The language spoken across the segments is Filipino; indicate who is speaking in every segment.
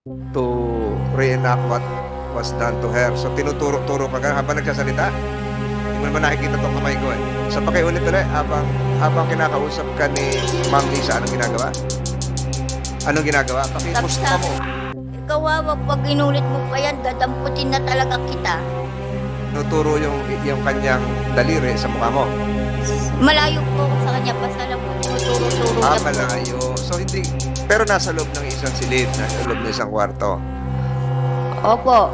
Speaker 1: to reenact what was done to her. So tinuturo-turo ka habang nagsasalita. Hindi mo naman nakikita tong kamay ko eh. So pakiulit ulit habang kinakausap ka ni Ma'am Lisa, anong ginagawa? Anong ginagawa? Pakipusta mo.
Speaker 2: Ikaw pag inulit mo pa yan, dadamputin na talaga kita.
Speaker 1: Tinuturo yung kanyang daliri sa mukha mo.
Speaker 2: Malayo po ako sa kanya, basta lang po tinuturo-turo niya po.
Speaker 1: Malayo. So hindi, pero nasa loob ng isang silid, nasa loob ng isang kwarto.
Speaker 2: Opo.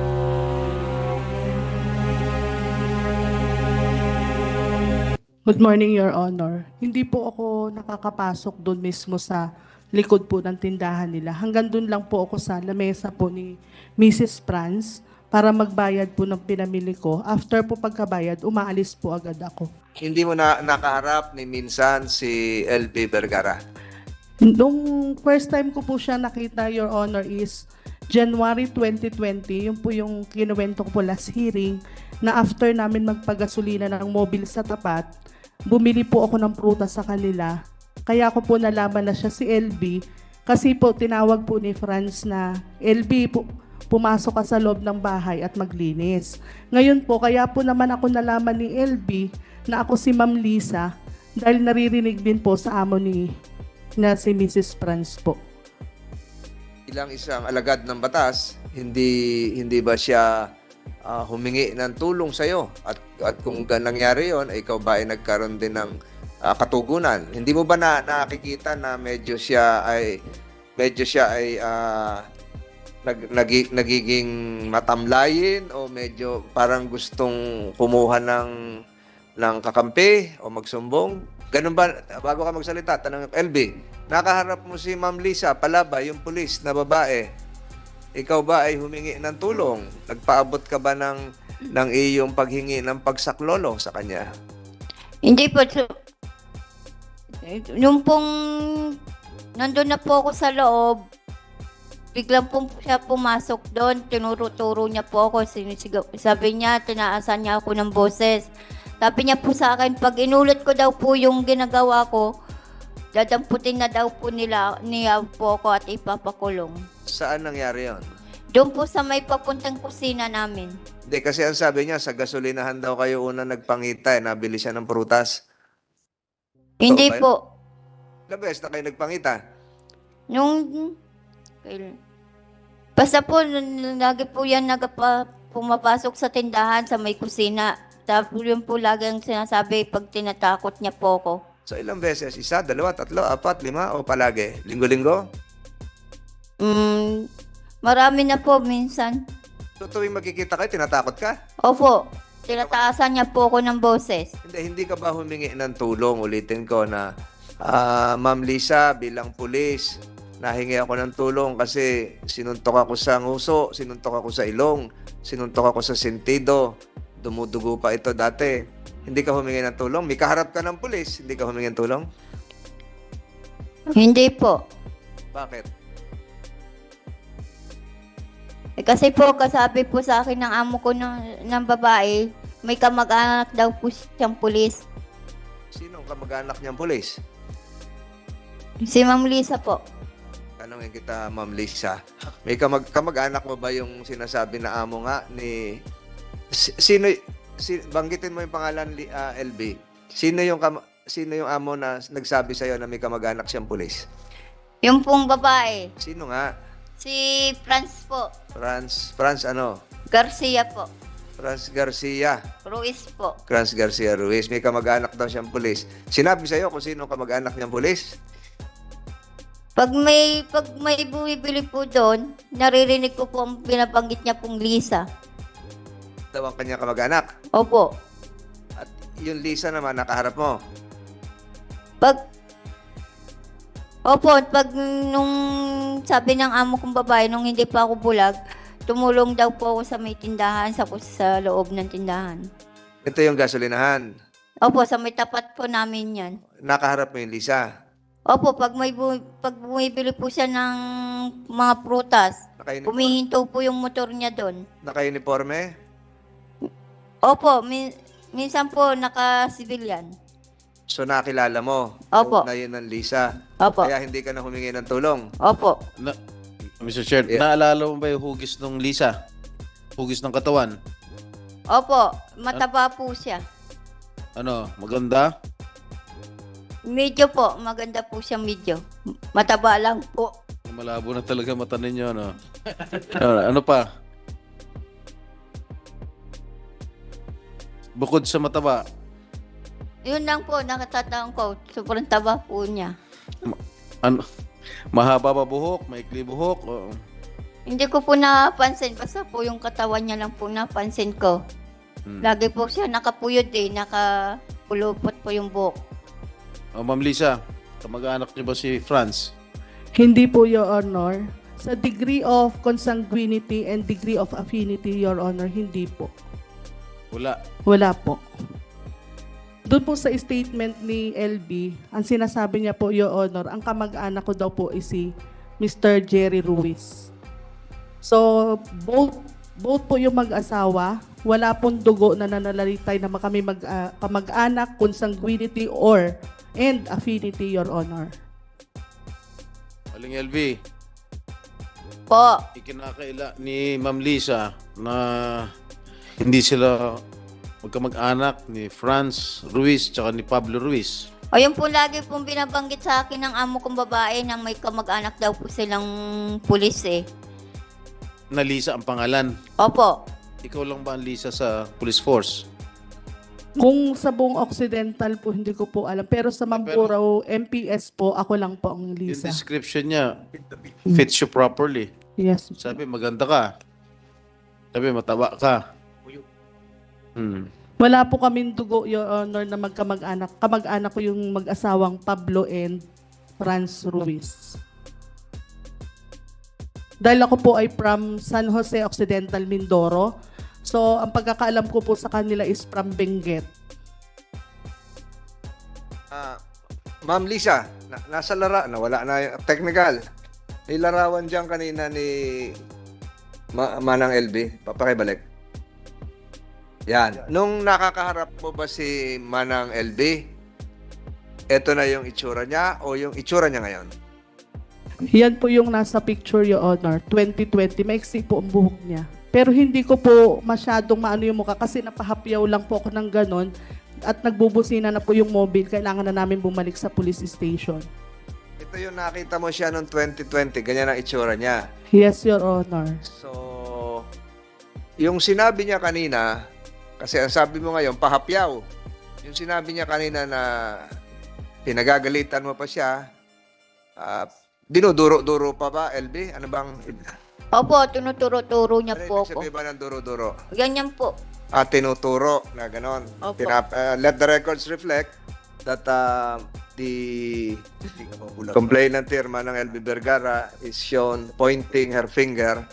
Speaker 3: Good morning, Your Honor. Hindi po ako nakakapasok doon mismo sa likod po ng tindahan nila. Hanggang doon lang po ako sa lamesa po ni Mrs. Franz para magbayad po ng pinamili ko. After po pagkabayad, umaalis po agad ako.
Speaker 1: Hindi mo na nakaharap ni minsan si LB Vergara.
Speaker 3: Nung first time ko po siya nakita, Your Honor, is January 2020. Yun po yung kinuwento ko po last hearing na after namin magpagasolina ng mobile sa tapat, bumili po ako ng prutas sa kanila. Kaya ako po nalaman na siya si LB kasi po tinawag po ni Franz na LB po, pumasok ka sa loob ng bahay at maglinis. Ngayon po, kaya po naman ako nalaman ni LB na ako si Ma'am Lisa dahil naririnig din po sa amo na si Mrs. Franz po.
Speaker 1: Ilang isang alagad ng batas, hindi ba siya humingi ng tulong sa iyo? At kung nangyari 'yon, ikaw ba ay nagkaroon din ng katugunan? Hindi mo ba nakikita na medyo siya ay nagiging matamlayin o medyo parang gustong kumuha ng kakampi o magsumbong? Ganun ba? Bago ka magsalita, tanong LB, nakaharap mo si Ma'am Lisa Palaba, yung pulis na babae. Ikaw ba ay humingi ng tulong? Nagpaabot ka ba ng iyong paghingi ng pagsaklolo sa kanya?
Speaker 2: Hindi po. Yung pong nandun na po ako sa loob, biglang po siya pumasok doon, tinuro-turo niya po ako, sabi niya, tinaasan niya ako ng boses. Sabi niya po sa akin, pag inulit ko daw po yung ginagawa ko, dadamputin na daw po niya po ako at ipapakulong.
Speaker 1: Saan nangyari yon?
Speaker 2: Doon po sa may papuntang kusina namin.
Speaker 1: Hindi, kasi ang sabi niya, sa gasolinahan daw kayo una nagpangita, nabili siya ng prutas.
Speaker 2: Hindi
Speaker 1: ba yun?
Speaker 2: po.
Speaker 1: Ilang beses na kayo nagpangita?
Speaker 2: Basta po, lagi po yan pumapasok sa tindahan sa may kusina. Tapos yun po lagi ang sinasabi pag tinatakot niya po ako.
Speaker 1: So ilang beses? Isa, dalawa, tatlo, apat, lima o palagi? Linggo-linggo?
Speaker 2: Marami na po minsan.
Speaker 1: So tuwing magkikita kayo, tinatakot ka?
Speaker 2: Opo, tinataasan niya po ako ng boses.
Speaker 1: Hindi ka ba humingi ng tulong? Ulitin ko na, Ma'am Lisa, bilang pulis, nahingi ako ng tulong kasi sinuntok ako sa nguso, sinuntok ako sa ilong, sinuntok ako sa sentido, dumudugo pa ito dati. Hindi ka humingi ng tulong? May kaharap ka ng pulis, hindi ka humingi ng tulong?
Speaker 2: Hindi po.
Speaker 1: Bakit?
Speaker 2: Kasi po, kasabi po sa akin ng amo ko ng babae, may kamag-anak daw po siyang pulis.
Speaker 1: Sino ang kamag-anak niyang pulis?
Speaker 2: Si Ma'am Lisa po.
Speaker 1: Tanongin kita, Ma'am Lisa. May kamag-anak mo ba yung sinasabi na amo nga ni... banggitin mo yung pangalan, LB. Sino yung amo na nagsabi sa'yo na may kamag-anak siyang pulis?
Speaker 2: Yung pong babae,
Speaker 1: Sino nga?
Speaker 2: si Franz po.
Speaker 1: Franz ano?
Speaker 2: Garcia po.
Speaker 1: Franz Garcia.
Speaker 2: Ruiz po.
Speaker 1: Franz Garcia Ruiz. May kamag-anak daw siyang pulis. Sinabi sa'yo kung sino ang kamag-anak niyang pulis?
Speaker 2: Pag may bumibili po doon, naririnig ko po ang binabanggit niya pong Lisa.
Speaker 1: Daw ang kanyang kamag-anak.
Speaker 2: Opo.
Speaker 1: At yung Lisa naman, nakaharap mo.
Speaker 2: Pag nung sabi ng amo kong babae, nung hindi pa ako bulag, tumulong daw po ako sa may tindahan, sa loob ng tindahan.
Speaker 1: Ito yung gasolinahan.
Speaker 2: Opo, sa may tapat po namin yan.
Speaker 1: Nakaharap mo yung Lisa.
Speaker 2: Opo, pag bumibili po siya ng mga prutas, humihinto po yung motor niya doon.
Speaker 1: Naka-uniforme?
Speaker 2: Opo, minsan po naka-civilian.
Speaker 1: So nakilala mo
Speaker 2: Opo.
Speaker 1: na yun ang Lisa.
Speaker 2: Opo.
Speaker 1: Kaya hindi ka na humingi ng tulong.
Speaker 2: Opo.
Speaker 4: Mr. Chair,
Speaker 1: Yeah.
Speaker 4: naalala mo ba yung hugis ng Lisa? Hugis ng katawan?
Speaker 2: Opo, mataba po siya.
Speaker 4: Ano, maganda?
Speaker 2: Medyo po, maganda po siya medyo. Mataba lang po.
Speaker 4: Malabo na talaga mata ninyo, ano? Ano pa? Bukod sa mataba,
Speaker 2: Yun lang po, nakatataon ko. Sobrang taba po niya.
Speaker 4: ano, mahaba ba buhok? Maikli buhok? O,
Speaker 2: Hindi ko po napansin. Basta po yung katawan niya lang po napansin ko. Lagi po siya nakapuyod nakapulupot po yung buhok.
Speaker 4: Ma'am Lisa, kamag-anak niyo ba si Franz?
Speaker 3: Hindi po, Your Honor. Sa degree of consanguinity and degree of affinity, Your Honor, hindi po.
Speaker 4: Wala.
Speaker 3: Wala po. Doon po sa statement ni LB, ang sinasabi niya po, Your Honor, ang kamag-anak ko daw po is si Mr. Jerry Ruiz. So, both po yung mag-asawa, wala pong dugo na nananalitay na kami kamag-anak, consanguinity, and affinity, Your Honor.
Speaker 4: Aling LV,
Speaker 2: Po,
Speaker 4: ikinakaila ni Ma'am Lisa na hindi sila magkamag-anak ni Franz Ruiz tsaka ni Pablo Ruiz.
Speaker 2: o yun po lagi pong binabanggit sa akin ng amo kong babae na may kamag-anak daw po silang pulis eh.
Speaker 4: Na Lisa ang pangalan.
Speaker 2: Opo.
Speaker 4: Ikaw lang ba ang Lisa sa police force?
Speaker 3: Kung sa buong Occidental po, hindi ko po alam. Pero sa Mamburao, MPS po, ako lang po ang
Speaker 4: Yung
Speaker 3: Lisa.
Speaker 4: description niya fits you properly.
Speaker 3: Yes.
Speaker 4: Sabi, maganda ka. Sabi, mataba ka.
Speaker 3: Wala po kaming dugo, Your Honor, na magkamag-anak. Kamag-anak ko yung mag-asawang Pablo and Franz Ruiz. Dahil ako po ay from San Jose Occidental, Mindoro. So, ang pagkakaalam ko po sa kanila is from Benguet.
Speaker 1: Ma'am Lisa, nasa nawala na yung technical. Nilarawan dyan kanina ni Manang LB. Papakibalik. Yan. Nung nakakaharap mo ba si Manang LB, eto na yung itsura niya o yung itsura niya ngayon?
Speaker 3: Yan po yung nasa picture, Your Honor. 2020, maiksi po ang buhok niya. Pero hindi ko po masyadong maano yung mukha kasi napahapyaw lang po ako ng ganon at nagbubusina na po yung mobile. Kailangan na namin bumalik sa police station.
Speaker 1: Ito yung nakita mo siya noong 2020. Ganyan ang itsura niya.
Speaker 3: Yes, Your Honor.
Speaker 1: So, yung sinabi niya kanina, kasi ang sabi mo ngayon, pahapyaw. Yung sinabi niya kanina na pinagagalitan mo pa siya, dinuduro-duro pa ba, LB? Ano bang...
Speaker 2: Opo, tinuturo-turo niya
Speaker 1: Ano
Speaker 2: po
Speaker 1: ibig
Speaker 2: ako.
Speaker 1: sabihin ba ng duro-duro?
Speaker 2: Ganyan po.
Speaker 1: Tinuturo na ganon.
Speaker 2: Opo.
Speaker 1: Let the records reflect that the complainant here, Manang LB Vergara, is shown pointing her finger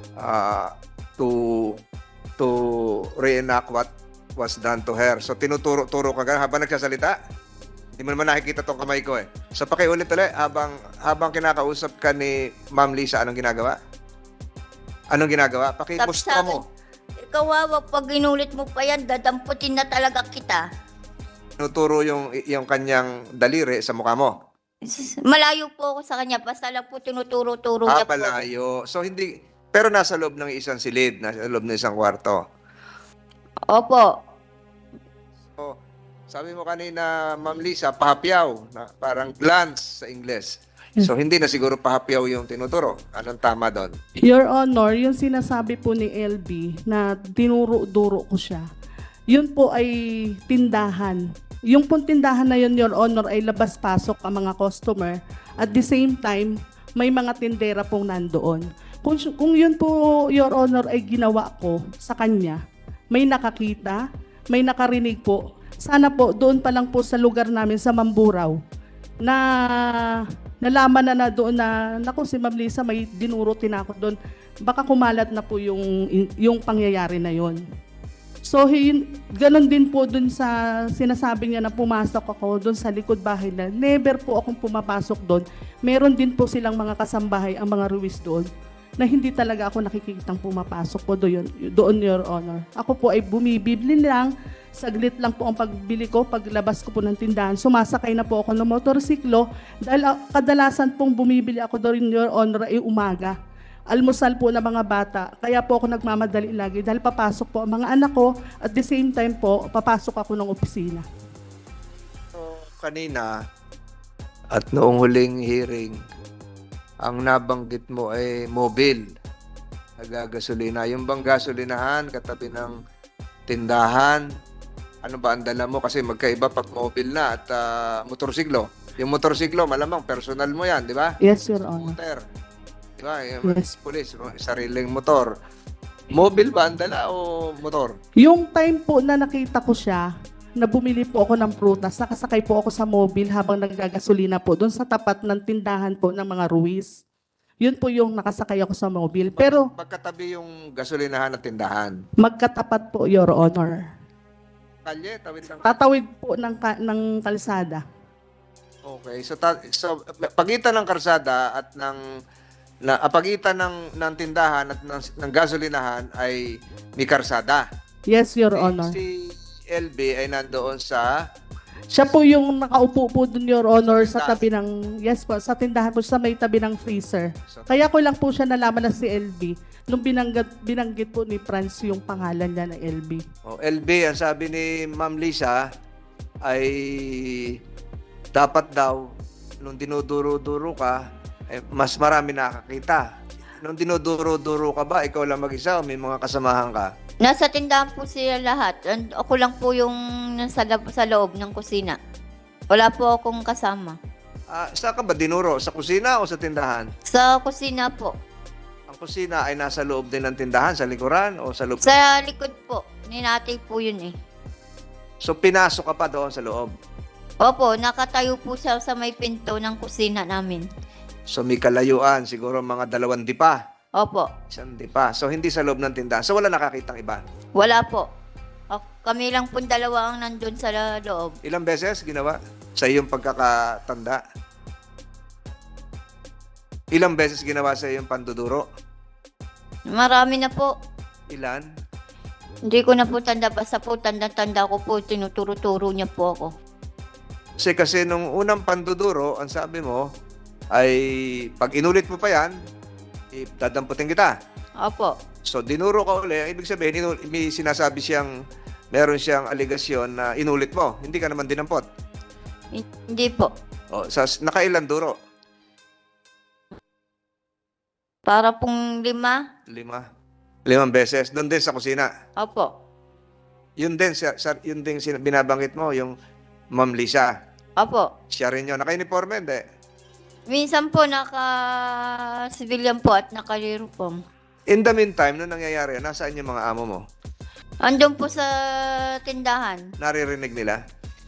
Speaker 1: to reenact what was done to her. So tinuturo-turo ka ganun habang nagsasalita. Hindi mo naman nakikita tong kamay ko eh. So pakiulit ulit, habang kinakausap ka ni Ma'am Lisa, anong ginagawa? Anong ginagawa? Pakimusta mo.
Speaker 2: Ikaw, wag pag inulit mo pa yan, dadamputin na talaga kita.
Speaker 1: Tinuturo yung kanyang daliri sa mukha mo.
Speaker 2: Malayo po ako sa kanya, basta lang po tinuturo-turo niya po.
Speaker 1: Palayo. So hindi, pero nasa loob ng isang silid, nasa loob ng isang kwarto.
Speaker 2: Opo.
Speaker 1: So, sabi mo kanina, Ma'am Lisa, pahapyaw, na parang glance sa Ingles. So hindi na siguro pahapyaw yung tinuturo. Anong tama doon?
Speaker 3: Your Honor, yung sinasabi po ni LB na dinuro-duro ko siya, yun po ay tindahan. Yung pong tindahan na yun, Your Honor, ay labas-pasok ang mga customer. At the same time, may mga tindera pong nandoon. Kung yun po, Your Honor, ay ginawa ko sa kanya, may nakakita, may nakarinig po. Sana po, doon pa lang po sa lugar namin sa Mamburao, na nalaman na doon na, naku, si Ma'am Lisa, may dinuro tinakot doon. Baka kumalat na po yung pangyayari na yon. So, ganon din po doon sa sinasabi niya na pumasok ako doon sa likod bahay na never po akong pumapasok doon. Meron din po silang mga kasambahay, ang mga Ruiz doon, na hindi talaga ako nakikitang pumapasok po doon, Your Honor. Ako po ay bumibili lang, saglit lang po ang pagbili ko, paglabas ko po ng tindahan, sumasakay na po ako ng motorsiklo dahil kadalasan pong bumibili ako doon, Your Honor, ay umaga. almusal po ng mga bata. Kaya po ako nagmamadali lagi dahil papasok po ang mga anak ko at the same time po, papasok ako ng opisina.
Speaker 1: So, kanina at noong huling hearing, ang nabanggit mo ay mobile, nagagasolina. Yung bang gasolinahan katabi ng tindahan, ano ba ang dala mo? Kasi magkaiba pag mobile na at motorsiklo. Yung motorsiklo, malamang personal mo yan, di ba?
Speaker 3: Yes, Your Honor.
Speaker 1: Motor. Di ba? Yung
Speaker 3: Yes.
Speaker 1: pulis, sariling motor. Mobile ba ang dala o motor?
Speaker 3: Yung time po na nakita ko siya, na bumili po ako ng prutas, nakasakay po ako sa mobile habang naggagasolina po doon sa tapat ng tindahan po ng mga Ruiz. Yun po yung nakasakay ako sa mobile. Pero
Speaker 1: Magkatabi yung gasolinahan at tindahan.
Speaker 3: magkatapat po, Your Honor.
Speaker 1: Kalye, tawid lang.
Speaker 3: Tatawid po ng kalsada.
Speaker 1: Okay, so pagitan ng karsada at pagitan ng tindahan at ng gasolinahan ay may karsada.
Speaker 3: Yes, Your Honor.
Speaker 1: Si LB ay nandoon sa
Speaker 3: Siya po yung nakaupo po dun, Your Honor, sa
Speaker 1: Sa
Speaker 3: tabi ng, yes po, sa tindahan po, sa may tabi ng freezer.
Speaker 1: So,
Speaker 3: Kaya ko lang po siya nalaman na si LB nung binanggit po ni Franz yung pangalan niya na LB.
Speaker 1: LB, ang sabi ni Ma'am Lisa ay dapat daw nung dinuduro-duro ka mas marami nakakita. Nung dinuduro-duro ka ba, ikaw lang mag-isa o may mga kasamahan ka?
Speaker 2: Nasa tindahan po sila lahat. And ako lang po yung sa loob ng kusina. Wala po akong kasama.
Speaker 1: Saan ka ba dinuro? Sa kusina o sa tindahan?
Speaker 2: Sa kusina po.
Speaker 1: Ang kusina ay nasa loob din ng tindahan, sa likuran o sa loob?
Speaker 2: Sa likod po. Ninati po yun eh.
Speaker 1: So pinasok ka pa doon sa loob.
Speaker 2: Opo, nakatayo po siya sa may pinto ng kusina namin.
Speaker 1: So may kalayuan, siguro mga 2 dipa.
Speaker 2: Opo.
Speaker 1: 1 dipa. So hindi sa loob ng tindahan. So wala nakakitang iba.
Speaker 2: Wala po. Kami lang po dalawa ang nandun sa loob.
Speaker 1: Ilang beses ginawa sa iyong pagkakatanda? Ilang beses ginawa sa iyong panduduro?
Speaker 2: Marami na po.
Speaker 1: Ilan?
Speaker 2: Hindi ko na po tanda. Basta po tanda-tanda ko po. Tinuturo-turo niya po ako.
Speaker 1: Kasi nung unang panduduro, ang sabi mo, ay pag inulit mo pa yan, dadamputin kita.
Speaker 2: Opo.
Speaker 1: So, dinuro ka uli. Ang ibig sabihin, may sinasabi meron siyang aligasyon na inulit mo. Hindi ka naman dinampot.
Speaker 2: Hindi po.
Speaker 1: Nakailan duro?
Speaker 2: Para pong 5.
Speaker 1: 5 beses. Doon din sa kusina.
Speaker 2: Opo.
Speaker 1: Yun din, binabanggit mo, yung Ma'am Lisa.
Speaker 2: Opo.
Speaker 1: Siya rin yun. Naka-uniforme, hindi?
Speaker 2: Minsan po naka-civilian po at naka-uniform.
Speaker 1: In the meantime, nung nangyayari, nasaan yung mga amo mo?
Speaker 2: Andun po sa tindahan.
Speaker 1: Naririnig nila?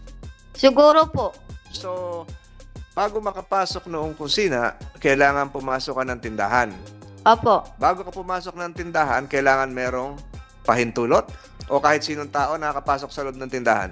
Speaker 2: Siguro po.
Speaker 1: So, bago makapasok noong kusina, kailangan pumasok ka ng tindahan.
Speaker 2: Opo.
Speaker 1: Bago ka pumasok ng tindahan, kailangan merong pahintulot? O kahit sinong tao nakakapasok sa loob ng tindahan?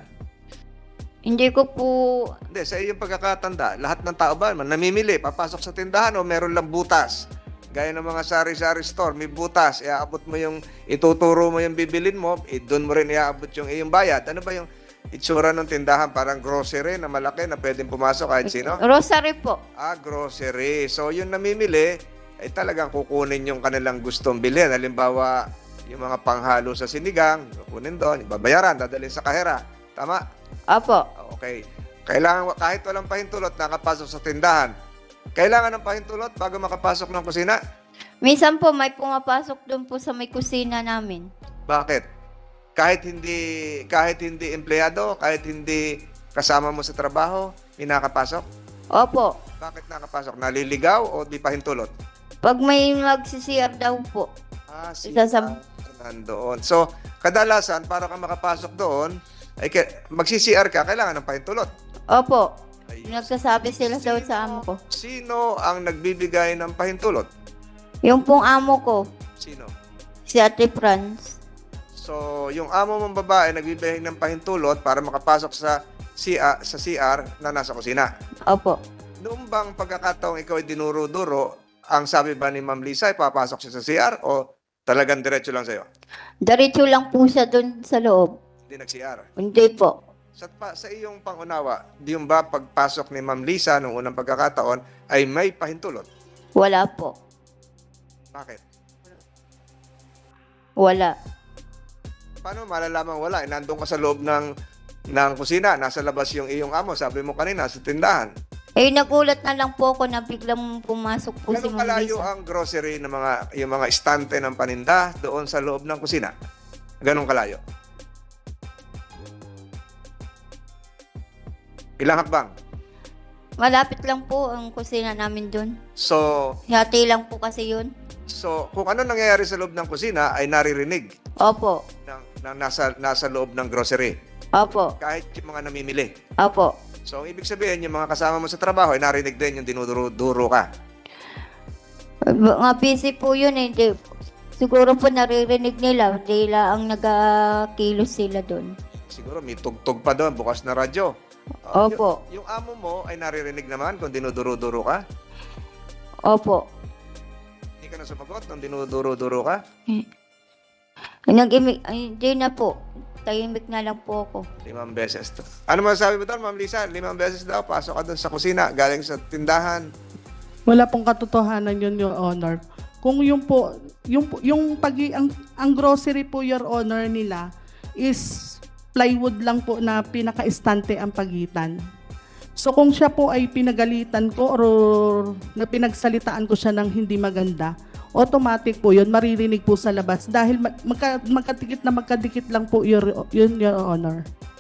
Speaker 2: Hindi ko po...
Speaker 1: Hindi, sa iyong pagkakatanda, lahat ng tao ba namimili, papasok sa tindahan o meron lang butas? Gaya ng mga sari-sari store, may butas, iaabot mo yung, ituturo mo yung bibilin mo, doon mo rin iaabot yung iyong bayad. Ano ba yung itsura ng tindahan? Parang grocery na malaki na pwedeng pumasok kahit sino?
Speaker 2: Rosary po.
Speaker 1: Grocery. So, yung namimili, ay talagang kukunin yung kanilang gustong bilhin. Halimbawa, yung mga panghalo sa sinigang, kukunin doon, babayaran, dadalhin sa kahera. Tama?
Speaker 2: Opo.
Speaker 1: Okay. Kailangan, kahit walang pahintulot, nakapasok sa tindahan. Kailangan ng pahintulot bago makapasok ng kusina?
Speaker 2: Minsan po may pumapasok doon po sa may kusina namin.
Speaker 1: Bakit? Kahit hindi empleyado, kahit hindi kasama mo sa trabaho, may nakapasok?
Speaker 2: Opo.
Speaker 1: Bakit nakapasok? Naliligaw o di pahintulot?
Speaker 2: Pag may magsisiyar daw po. Isasam-
Speaker 1: Nandoon. So, kadalasan, para ka makapasok doon, ay magsi-CR ka, kailangan ng pahintulot.
Speaker 2: Opo.
Speaker 1: Ay,
Speaker 2: Nagsasabi sila daw sa amo ko.
Speaker 1: Sino ang nagbibigay ng pahintulot?
Speaker 2: Yung pong amo ko,
Speaker 1: Sino?
Speaker 2: si Ate Franz.
Speaker 1: So, yung amo mong babae nagbibigay ng pahintulot para makapasok sa CR na nasa kusina.
Speaker 2: Opo.
Speaker 1: Noong bang pagkakataong ikaw ay dinuro-duro, ang sabi ba ni Ma'am Lisa ay papasok siya sa CR o talagang diretso lang sa'yo?
Speaker 2: Diretso lang po siya doon sa loob.
Speaker 1: Hindi nag-CR.
Speaker 2: Hindi po.
Speaker 1: Sa iyong pangunawa, di yung ba pagpasok ni Ma'am Lisa noong unang pagkakataon ay may pahintulot?
Speaker 2: Wala po.
Speaker 1: Bakit?
Speaker 2: Wala.
Speaker 1: Paano malalaman wala? Nandun ka sa loob ng kusina, nasa labas yung iyong amo, sabi mo kanina, sa tindahan.
Speaker 2: Eh, nagulat na lang po ako na biglang pumasok po si
Speaker 1: Ganun
Speaker 2: Ma'am
Speaker 1: kalayo
Speaker 2: Lisa.
Speaker 1: ang grocery ng yung mga estante ng paninda doon sa loob ng kusina? Ganun kalayo? Ilang hakbang?
Speaker 2: Malapit lang po ang kusina namin doon.
Speaker 1: So,
Speaker 2: Hati lang po kasi yun.
Speaker 1: kung ano nangyayari sa loob ng kusina ay naririnig
Speaker 2: Opo.
Speaker 1: ng nasa loob ng grocery.
Speaker 2: Opo.
Speaker 1: Kahit yung mga namimili.
Speaker 2: Opo.
Speaker 1: So, ang ibig sabihin, yung mga kasama mo sa trabaho ay narinig din yung dinuduro-duro ka.
Speaker 2: Mga busy po yun eh. Siguro po naririnig nila. Dila ang nagakilos sila doon.
Speaker 1: Siguro may tugtog pa doon, bukas na radyo. Oh,
Speaker 2: Opo.
Speaker 1: Yung amo mo ay naririnig naman kung dinuduro-duro ka?
Speaker 2: Opo.
Speaker 1: Hindi ka na sumagot nung dinuduro-duro ka?
Speaker 2: Hindi na po. Tahimik na lang po ako.
Speaker 1: 5 beses. Ano masasabi mo doon, Ma'am Lisa? 5 beses daw, pasok ka doon sa kusina, galing sa tindahan.
Speaker 3: Wala pong katotohanan yun, Your Honor. Kung yung po, ang grocery po, Your Honor, nila is plywood lang po na pinaka-estante ang pagitan. So kung siya po ay pinagalitan ko or na pinagsalitaan ko siya ng hindi maganda, automatic po yun, maririnig po sa labas dahil magkadikit lang po yun, Your Honor.